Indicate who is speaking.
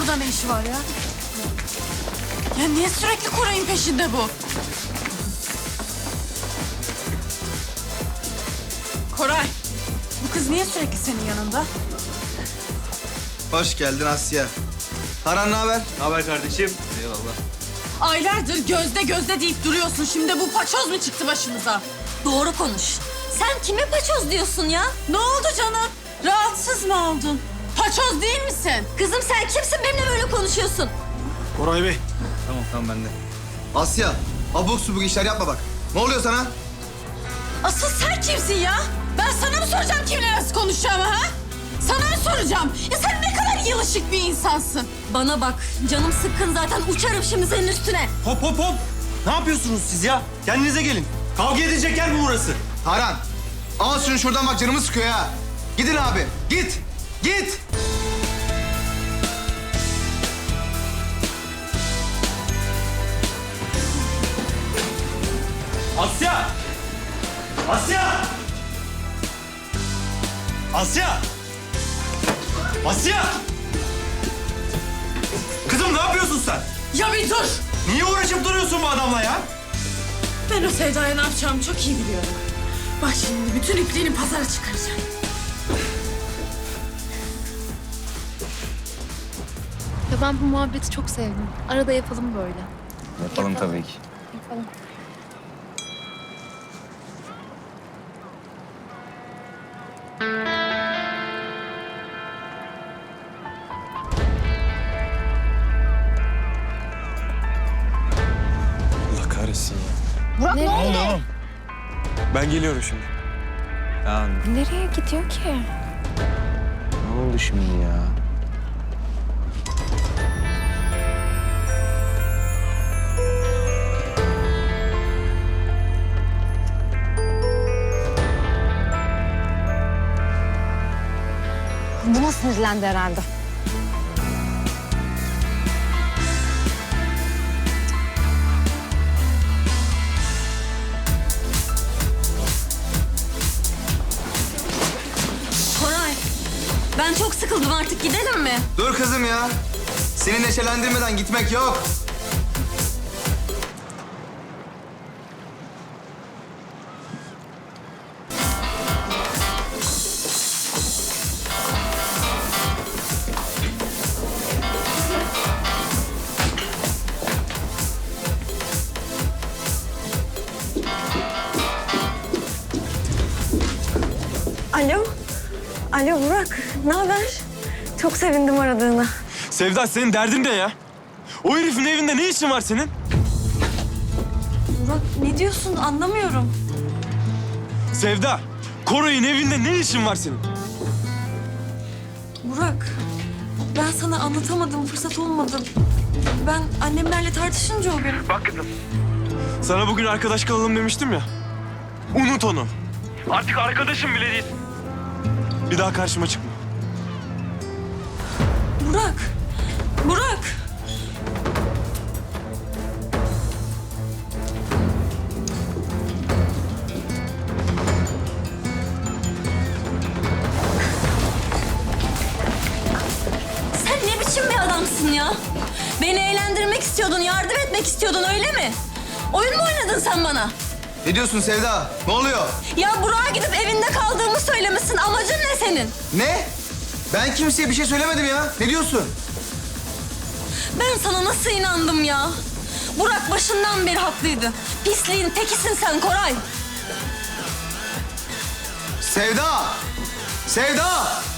Speaker 1: burada ne işi var ya? Ya niye sürekli Koray'ın peşinde bu? Koray, bu kız niye sürekli senin yanında?
Speaker 2: Hoş geldin Asya. Taran ne haber?
Speaker 3: Ne haber kardeşim?
Speaker 2: Eyvallah.
Speaker 1: Aylardır gözde gözde deyip duruyorsun. Şimdi bu paçoz mu çıktı başımıza?
Speaker 4: Doğru konuş. Sen kime paçoz diyorsun ya?
Speaker 1: Ne oldu canım? Rahatsız mı oldun? Paçoz değil misin?
Speaker 4: Kızım sen kimsin benimle böyle konuşuyorsun?
Speaker 3: Koray Bey.
Speaker 2: Tamam ben de. Asya, abuk subuk işler yapma bak. Ne oluyor sana?
Speaker 1: Asıl sen kimsin ya? Ben sana mı soracağım kimle nasıl konuşacağımı ha? Sana mı soracağım? Ya sen ne kadar yılışık bir insansın.
Speaker 4: Bana bak, canım sıkkın zaten. Uçarım şimdi senin üstüne.
Speaker 3: Hop hop hop. Ne yapıyorsunuz siz ya? Kendinize gelin. Kavga edecek yer mi burası?
Speaker 2: Taran, al şunu şuradan bak canımı sıkıyor ha. Gidin abi, git. Git.
Speaker 3: Asya! Asya! Asya! Asya! Kızım ne yapıyorsun sen?
Speaker 1: Ya bir dur.
Speaker 3: Niye uğraşıp duruyorsun bu adamla ya?
Speaker 1: Ben o Sevda'ya ne yapacağımı çok iyi biliyorum. Bak şimdi bütün ipliğini pazara çıkaracağım.
Speaker 5: Ya ben bu muhabbeti çok sevdim. Arada yapalım böyle.
Speaker 2: Yapalım tabii ki.
Speaker 5: Yapalım.
Speaker 6: Allah kahretsin ya.
Speaker 5: Burak ne oldu?
Speaker 6: Oğlum. Ben geliyorum şimdi.
Speaker 2: Ya
Speaker 5: Nereye gidiyor ki?
Speaker 6: Ne oldu şimdi ya?
Speaker 5: Buna sinirlendi herhalde.
Speaker 4: Koray, ben çok sıkıldım artık. Gidelim mi?
Speaker 2: dur kızım ya. Seni neşelendirmeden gitmek yok.
Speaker 7: Alo. Alo Burak. Ne haber? Çok sevindim aradığına.
Speaker 6: Sevda senin derdin ne ya? O herifin evinde ne işin var senin?
Speaker 7: Burak ne diyorsun anlamıyorum.
Speaker 6: Sevda, Koray'ın evinde ne işin var senin?
Speaker 7: Burak ben sana anlatamadım, fırsat olmadı. Ben annemlerle tartışınca o gün.
Speaker 6: Sana bugün arkadaş kalalım demiştim ya. Unut onu. Artık arkadaşım bile değil. Bir daha karşıma çıkma.
Speaker 7: Burak. Burak.
Speaker 4: Sen ne biçim bir adamsın ya? Beni eğlendirmek istiyordun, yardım etmek istiyordun öyle mi? Oyun mu oynadın sen bana?
Speaker 2: Ne diyorsun Sevda? Ne oluyor?
Speaker 4: Ya Burak'a gidip evinde kaldığımı söylemişsin. Amacın ne senin?
Speaker 2: Ne? Ben kimseye bir şey söylemedim ya. Ne diyorsun?
Speaker 4: Ben sana nasıl inandım ya? Burak başından beri haklıydı. Pisliğin tekisin sen Koray.
Speaker 2: Sevda! Sevda!